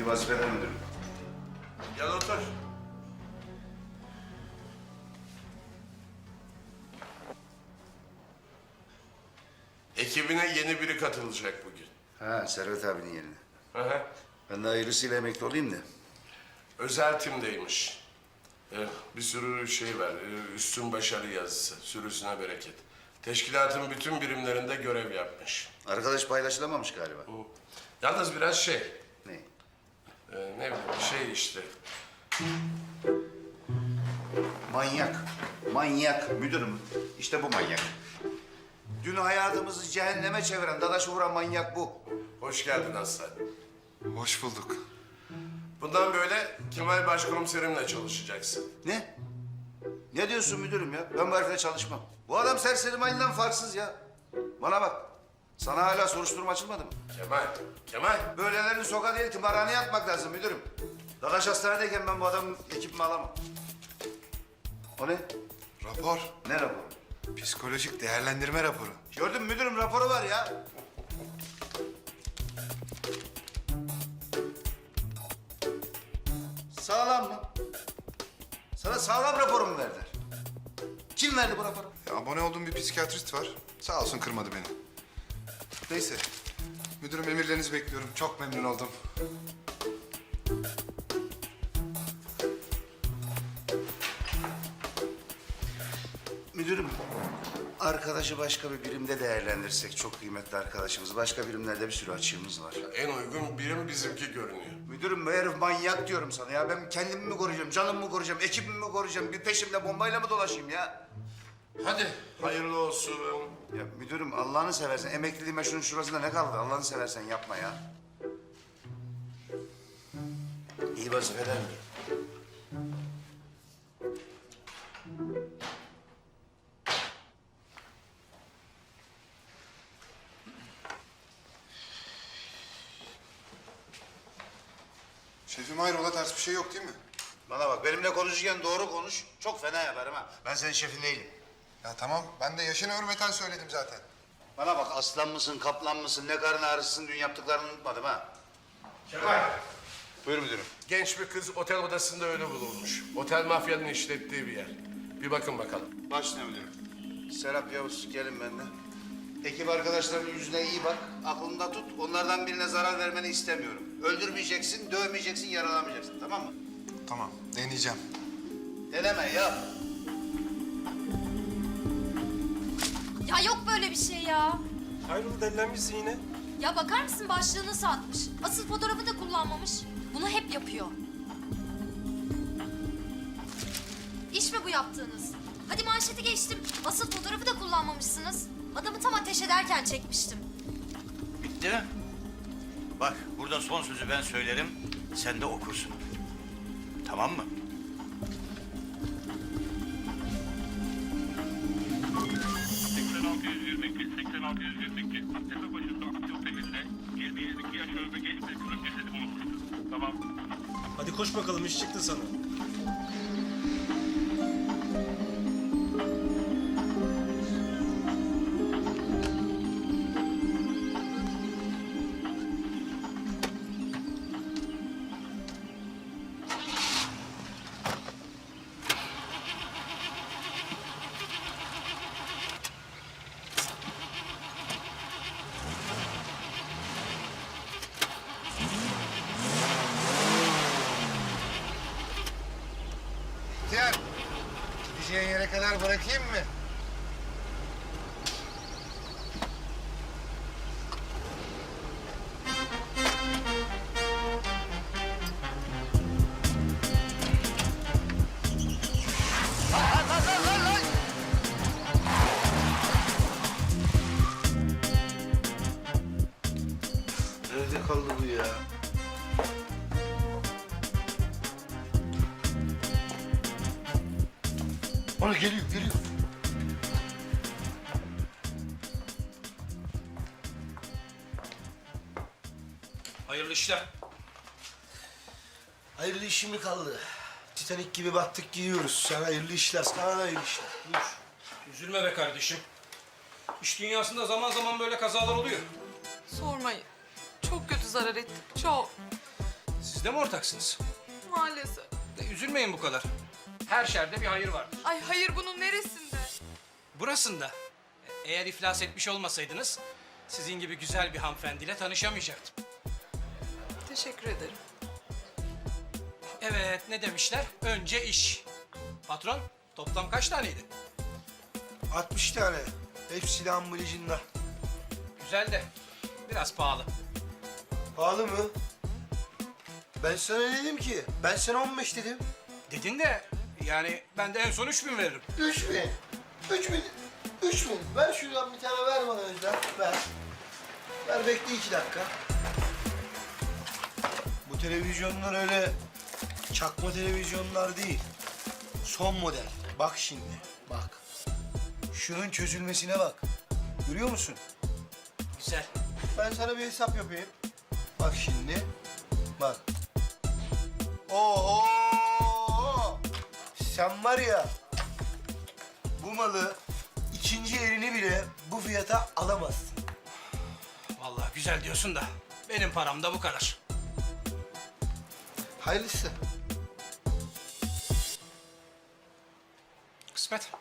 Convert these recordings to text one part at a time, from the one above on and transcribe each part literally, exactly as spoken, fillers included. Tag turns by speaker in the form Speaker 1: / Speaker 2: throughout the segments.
Speaker 1: vazifeler müdürüm.
Speaker 2: Gel otur. Ekibine yeni biri katılacak bugün.
Speaker 1: Ha, Servet abinin yerine.
Speaker 2: Hı hı.
Speaker 1: Ben de hayırlısıyla emekli olayım da.
Speaker 2: Özel timdeymiş. Ee, bir sürü şey var. Ee, üstün başarı yazısı. Sürüsüne bereket. Teşkilatın bütün birimlerinde görev yapmış.
Speaker 1: Arkadaş paylaşılamamış galiba.
Speaker 2: Hı. Yalnız biraz şey,
Speaker 1: Ne?
Speaker 2: e, ne bileyim şey işte.
Speaker 1: Manyak. Manyak müdürüm. İşte bu manyak. Dün hayatımızı cehenneme çeviren, dadaşı vuran manyak bu.
Speaker 2: Hoş geldin Aslan.
Speaker 3: Hoş bulduk.
Speaker 2: Bundan böyle Kemal Başkomiserimle çalışacaksın.
Speaker 1: Ne? Ne diyorsun müdürüm ya? Ben bu herifle çalışmam. Bu adam serseri mayından farksız ya. Bana bak. Sana hala soruşturma açılmadı mı?
Speaker 2: Kemal, Kemal.
Speaker 1: Böylelerini sokağa değil, tımarhaneye atmak lazım müdürüm. Dadaş hastanedeyken ben bu adamın ekibimi alamam. O ne?
Speaker 3: Rapor.
Speaker 1: Ne raporu?
Speaker 3: Psikolojik değerlendirme raporu.
Speaker 1: Gördün mü müdürüm, raporu var ya. Sağlam mı? Sana sağlam raporu mu verdiler? Kim verdi bu raporu?
Speaker 3: Ya, abone olduğum bir psikiyatrist var. Sağ olsun kırmadı beni. Neyse. Müdürüm emirlerinizi bekliyorum. Çok memnun oldum.
Speaker 1: Müdürüm, arkadaşı başka bir birimde değerlendirsek çok kıymetli arkadaşımız. Başka birimlerde bir sürü açığımız var.
Speaker 2: En uygun birim bizimki görünüyor.
Speaker 1: Müdürüm, bu herif manyak diyorum sana ya. Ben kendimi mi koruyacağım, canımı mı koruyacağım, ekibimi mi koruyacağım? Bir peşimde bombayla mı dolaşayım ya?
Speaker 2: Hadi hayırlı olsun.
Speaker 1: Ya müdürüm, Allah'ını seversen emekliliğime şunun şurasında ne kaldı? Allah'ını seversen yapma ya. İyi vazifeler mi?
Speaker 3: Şefim hayrola, ters bir şey yok değil mi?
Speaker 1: Bana bak, benimle konuşurken doğru konuş. Çok fena yaparım ha. Ben senin şefin değilim.
Speaker 3: Ya tamam, ben de yaşına hürmeten söyledim zaten.
Speaker 1: Bana bak, aslan mısın, kaplan mısın, ne karın ağrısısın, dün yaptıklarını unutmadım ha.
Speaker 2: Kemal.
Speaker 1: Buyur müdürüm.
Speaker 2: Genç bir kız otel odasında ölü bulunmuş. Otel mafyanın işlettiği bir yer. Bir bakın bakalım.
Speaker 1: Başla müdürüm. Serap, Yavuz, gelin benimle. Ekip arkadaşlarının yüzüne iyi bak, aklında tut. Onlardan birine zarar vermeni istemiyorum. Öldürmeyeceksin, dövmeyeceksin, yaralamayacaksın, tamam mı?
Speaker 3: Tamam, deneyeceğim.
Speaker 1: Deneme, yap.
Speaker 4: Ya yok böyle bir şey ya.
Speaker 5: Hayrola, delilenmişsin yine.
Speaker 4: Ya bakar mısın, başlığını satmış. Asıl fotoğrafı da kullanmamış. Bunu hep yapıyor. İş mi bu yaptığınız? Hadi manşeti geçtim. Asıl fotoğrafı da kullanmamışsınız. Adamı tam ateş ederken çekmiştim.
Speaker 6: Bitti mi? Bak, burada son sözü ben söylerim, sen de okursun. Tamam mı?
Speaker 7: seksen altı yüz yirmi iki, seksen altı yüz yirmi iki. Tepe başında Akçe Oteli'nde yirmi yedi iki yaş arasında genç bir kızın cesedi bulunmuştur. Tamam.
Speaker 5: Hadi koş bakalım, iş çıktı sana.
Speaker 3: İhtiyar, gideceğin yere kadar bırakayım mı?
Speaker 1: Nerede kaldı bu ya? Ona geliyor, geliyor.
Speaker 5: Hayırlı işler.
Speaker 8: Hayırlı işim mi kaldı? Titanik gibi battık gidiyoruz. Sana hayırlı işler, sana da hayırlı işler. Buyur.
Speaker 5: Üzülme be kardeşim. İş dünyasında zaman zaman böyle kazalar oluyor.
Speaker 9: Sormayın. Çok kötü zarar ettik, çok.
Speaker 5: Siz de mi ortaksınız?
Speaker 9: Maalesef.
Speaker 5: De üzülmeyin bu kadar. Her şerde bir hayır vardır.
Speaker 9: Ay hayır, bunun neresinde?
Speaker 5: Burasında. Eğer iflas etmiş olmasaydınız sizin gibi güzel bir hanımefendiyle tanışamayacaktım.
Speaker 9: Teşekkür ederim.
Speaker 5: Evet, ne demişler? Önce iş. Patron, toplam kaç taneydi?
Speaker 8: altmış tane. Hepsi de ambalajında.
Speaker 5: Güzel de biraz pahalı.
Speaker 8: Pahalı mı? Ben sana ne dedim ki? Ben sana on beş dedim.
Speaker 5: Dedin de yani ben de en son üç bin veririm.
Speaker 8: Üç bin. Üç bin. Üç bin. Ver şuradan bir tane ver bana Özlem. Ver. Ver bekle iki dakika. Bu televizyonlar öyle çakma televizyonlar değil. Son model. Bak şimdi. Bak. Şunun çözülmesine bak. Görüyor musun?
Speaker 5: Güzel.
Speaker 8: Ben sana bir hesap yapayım. Bak şimdi. Bak. Oho! Sen var ya, bu malı ikinci elini bile bu fiyata alamazsın.
Speaker 5: Vallahi güzel diyorsun da benim param da bu kadar.
Speaker 8: Hayırlısı.
Speaker 5: Kısmet.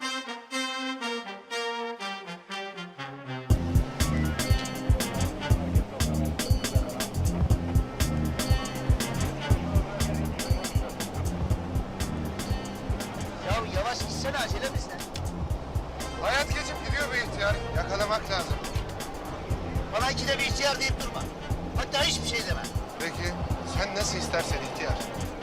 Speaker 10: Ya yavaş gitsene, acelemiz ne?
Speaker 3: Hayat geçip gidiyor be ihtiyar. Yakalamak lazım.
Speaker 10: Bana ikide bir ihtiyar deyip durma. Hatta hiçbir şey deme.
Speaker 3: Peki sen nasıl istersen ihtiyar.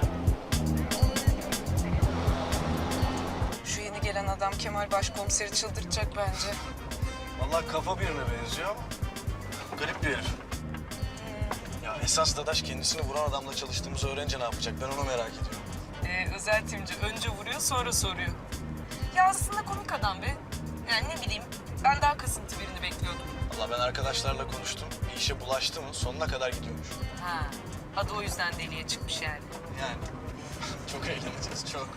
Speaker 9: Şu yeni gelen adam Kemal Başkomiseri çıldırtacak bence.
Speaker 11: Vallahi kafa birine benziyor ama garip bir herif. Ya esas Dadaş kendisini vuran adamla çalıştığımızı öğrenince ne yapacak? Ben onu merak ediyorum.
Speaker 9: Ee, özel timci önce vuruyor sonra soruyor. Ya aslında komik adam be. Yani ne bileyim, ben daha kasıntı birini bekliyordum.
Speaker 11: Vallahi ben arkadaşlarla konuştum. Bir işe bulaştı mı sonuna kadar gidiyormuş.
Speaker 9: Ha, adı o yüzden deliye çıkmış yani.
Speaker 11: Yani çok eğleneceğiz çok.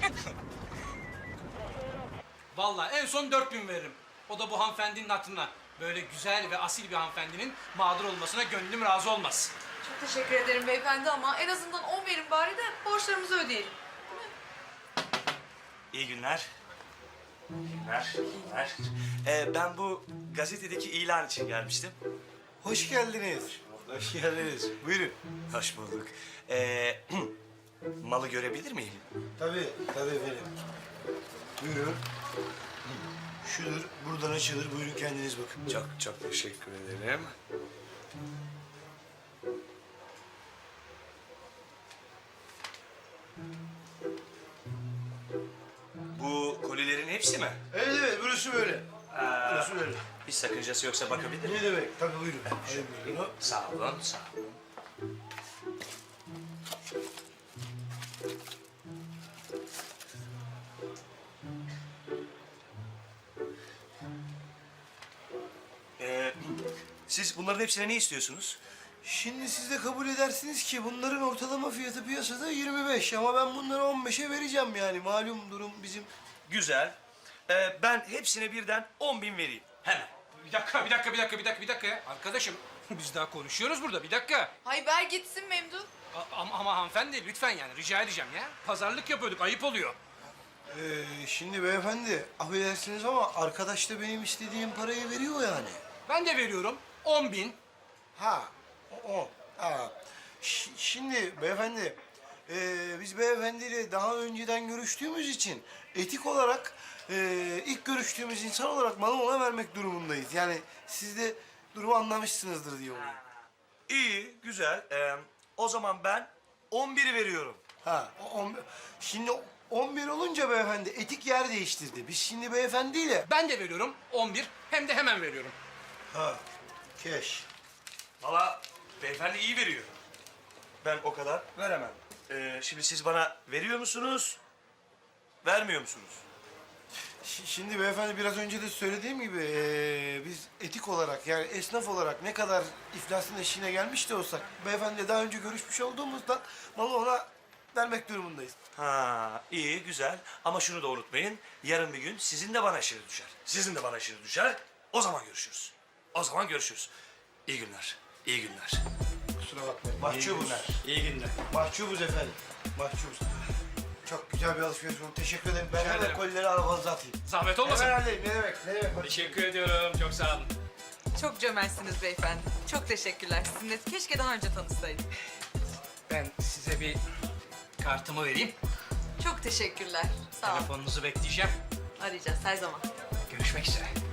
Speaker 5: Vallahi en son dört bin veririm. O da bu hanımefendinin hatırına. Böyle güzel ve asil bir hanımefendinin mağdur olmasına gönlüm razı olmaz.
Speaker 9: Çok teşekkür ederim beyefendi ama en azından on verin bari de borçlarımızı ödeyelim.
Speaker 12: İyi günler. İyi günler. iyi günler. Ee, ben bu gazetedeki ilan için gelmiştim.
Speaker 8: Hoş geldiniz. Hoş geldiniz. Buyurun.
Speaker 12: Hoş bulduk. Ee, malı görebilir miyim?
Speaker 8: Tabii, tabii efendim. Buyurun. Şudur, buradan açılır. Buyurun kendiniz bakın.
Speaker 2: Çok çok teşekkür ederim.
Speaker 12: Bu kolilerin hepsi mi?
Speaker 8: Evet evet, burası böyle. Burası böyle.
Speaker 12: Bir sakıncası yoksa bakabilir miyim?
Speaker 8: Ne demek? Tabii buyurun. Hadi buyurun.
Speaker 12: Sağ olun, sağ olun. Ee, siz bunların hepsine ne istiyorsunuz?
Speaker 8: Şimdi siz de kabul edersiniz ki bunların ortalama fiyatı piyasada yirmi beş ama ben bunları on beşe vereceğim yani. Malum durum bizim.
Speaker 12: Güzel. Ee, ben hepsine birden on bin vereyim. Hemen.
Speaker 5: Bir dakika, bir dakika, bir dakika, bir dakika, bir dakika ya. Arkadaşım, biz daha konuşuyoruz burada. Bir dakika.
Speaker 9: Hay ver gitsin Memduh.
Speaker 5: A- ama, ama hanımefendi lütfen yani rica edeceğim ya. Pazarlık yapıyorduk, ayıp oluyor.
Speaker 8: Ee, şimdi beyefendi affedersiniz ama arkadaş da benim istediğim parayı veriyor yani.
Speaker 5: Ben de veriyorum on bin.
Speaker 8: Ha, o. o. Ha. Ş- şimdi beyefendi, ee, biz beyefendiyle daha önceden görüştüğümüz için etik olarak ee, ilk görüştüğümüz insan olarak malı ona vermek durumundayız. Yani siz de durumu anlamışsınızdır diye oluyor.
Speaker 12: İyi, güzel. Ee, o zaman ben on biri veriyorum.
Speaker 8: Ha, o on, şimdi on bir olunca beyefendi etik yer değiştirdi. Biz şimdi beyefendiyle...
Speaker 5: Ben de veriyorum on bir. Hem de hemen veriyorum.
Speaker 8: Ha, keş.
Speaker 12: Valla beyefendi iyi veriyor. Ben o kadar veremem. Ee, şimdi siz bana veriyor musunuz, vermiyor musunuz?
Speaker 8: Ş- Şimdi beyefendi biraz önce de söylediğim gibi eee, biz etik olarak yani esnaf olarak ne kadar iflasın eşiğine gelmiş de olsak beyefendiyle daha önce görüşmüş olduğumuzdan malı ona vermek durumundayız.
Speaker 12: Ha, iyi, güzel. Ama şunu da unutmayın. Yarın bir gün sizin de bana işiniz düşer. Sizin de bana işiniz düşer. O zaman görüşürüz. O zaman görüşürüz. İyi günler. İyi günler.
Speaker 8: Kusura bakmayın. Mahcubuz.
Speaker 5: İyi günler.
Speaker 8: Mahcubuz efendim. Mahcubuz. Çok güzel bir alışveriş oldu. Teşekkür ederim. Ben
Speaker 5: Rica
Speaker 8: hemen
Speaker 5: ederim.
Speaker 8: kolileri arabanıza atayım.
Speaker 5: Zahmet olmasın.
Speaker 8: Hemen halledeyim. Ne demek? Ne demek?
Speaker 5: Teşekkür ediyorum. Çok sağ olun.
Speaker 9: Çok cömertsiniz beyefendi. Çok teşekkürler. Sizinle keşke daha önce tanışsaydık.
Speaker 5: Ben size bir kartımı vereyim.
Speaker 9: Çok teşekkürler. Sağ olun.
Speaker 5: Telefonunuzu bekleyeceğim.
Speaker 9: Arayacağız her zaman.
Speaker 5: Görüşmek üzere.